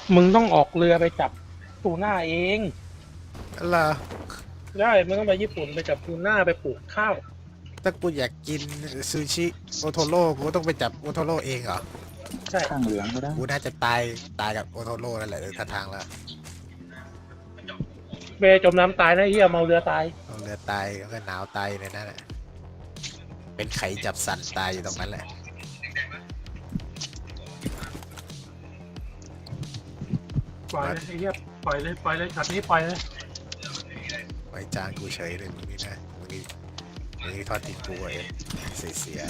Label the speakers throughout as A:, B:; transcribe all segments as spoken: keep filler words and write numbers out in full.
A: มึงต้องออกเรือไปจับทูน่าเอง
B: เหรอ
A: ได้มึงต้องไปญี่ปุ่นไปจับทูน่าไปปลูกข้าว
B: ถ้ากูอยากกินซูชิโอโทโร่กูก็ต้องไปจับโอโทโร่เองเหรอ
A: ใช่
C: ข้างเหลืองก็ได้
B: กูน่าจะตายตายกับโอโทโร่นั่นแหละท่าทางแล้ว
A: เบจมน้ำตายนะเฮียเมาเรือตาย
B: เอาเรือตายก็หนาวตายในนั้นแหละเป็นไข่จับสันตายอยู่ตรงนั้นแหละ
A: ปล่อยเลยไอ้เฮียปล่อยเลยปล่อยเลยช็อตนี้ปล่อยเลย
B: ไว้จานกูเฉยเลยมึงนี่นะมึงนี่มึงนี่ทอดติดกูเองเสียเสีย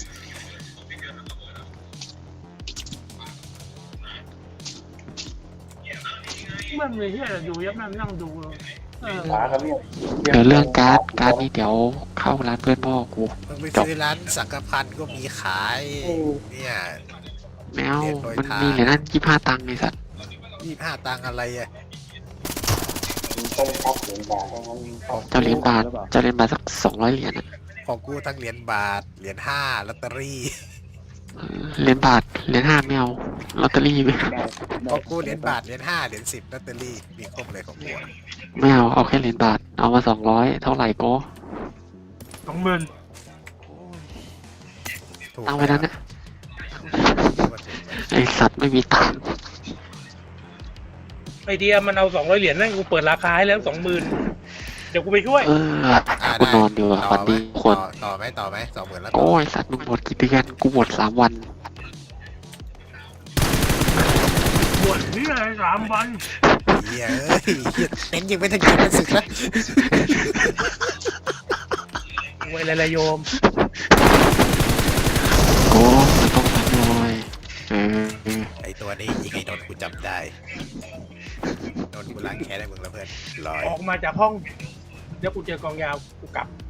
A: มันเลยเฮียดูยับนั่งนั่งดูเออ
C: ขาครับเนี่ย
D: เดี๋ยวเรื่องการ์ดการ์ดนี่เดี๋ยวเข้าร้านเพื่อนพ่อกู
B: มึงไปซื้อร้านสังกพันก็มีขายเนี่ย
D: แมวมันมีเหรียญนั่นยี่ห้าตังค์ไอ้สัตว์
B: ยี่ห้าตังค์อะไรอ่ะ
C: ต้องพับเหรียญบาทต้อง
D: เจ้าเหรียญบาทเจ้าเหรียญบาทสักสองร้อยเหรียญอะ
B: ของกูทั้งเหรียญบาทเหรียญห้าลอตเตอรี่
D: เออเหรียญบาทเหรียญห้าไม่เอาลอตเตอรี่ไม่
B: ของกูเหรียญบาทเหรียญห้าเหรียญสิบลอตเตอรี่มีครบเลยของกู
D: ไม่เอาเอาแค่เหรียญบาทเอามาสองร้อยเท่าไหร่ก็
A: สองหมื่น
B: ถูก
D: ตั้งไว้นั้นนะไอสัตว์ไม่มีตังค์
A: ไอเดียมันเอาสองร้อยเหรียญนั่นกูเปิดราคาให้แล้วสองหมื่นเดี๋ยวกูไปช่วย
D: เออกูนอนดีกว่าวันนี้คน
B: ต่อต่อไหมต่อไหมสองหมื่นแล้ว
D: โอ้ยสัตว์มึงหมดกี่เดือนกูหมดสามวัน
A: บวชนี่อะไรสามวัน
B: เฮียเอ้ยเหี้ยเน้นยังไม่ทันกินมันสึกแล้ว
A: ไว้เลยโยม
D: โอ้มันต้องทำหน่อยเออ
B: ไอตัวนี้ยิงไอ้นนท์กูจำได้นนท์กูล้างแค้นให้มึงแล้วเพื่อนลอย
A: ออกมาจากห้องเดี๋ยวกูเจอกองยาวกูกลับ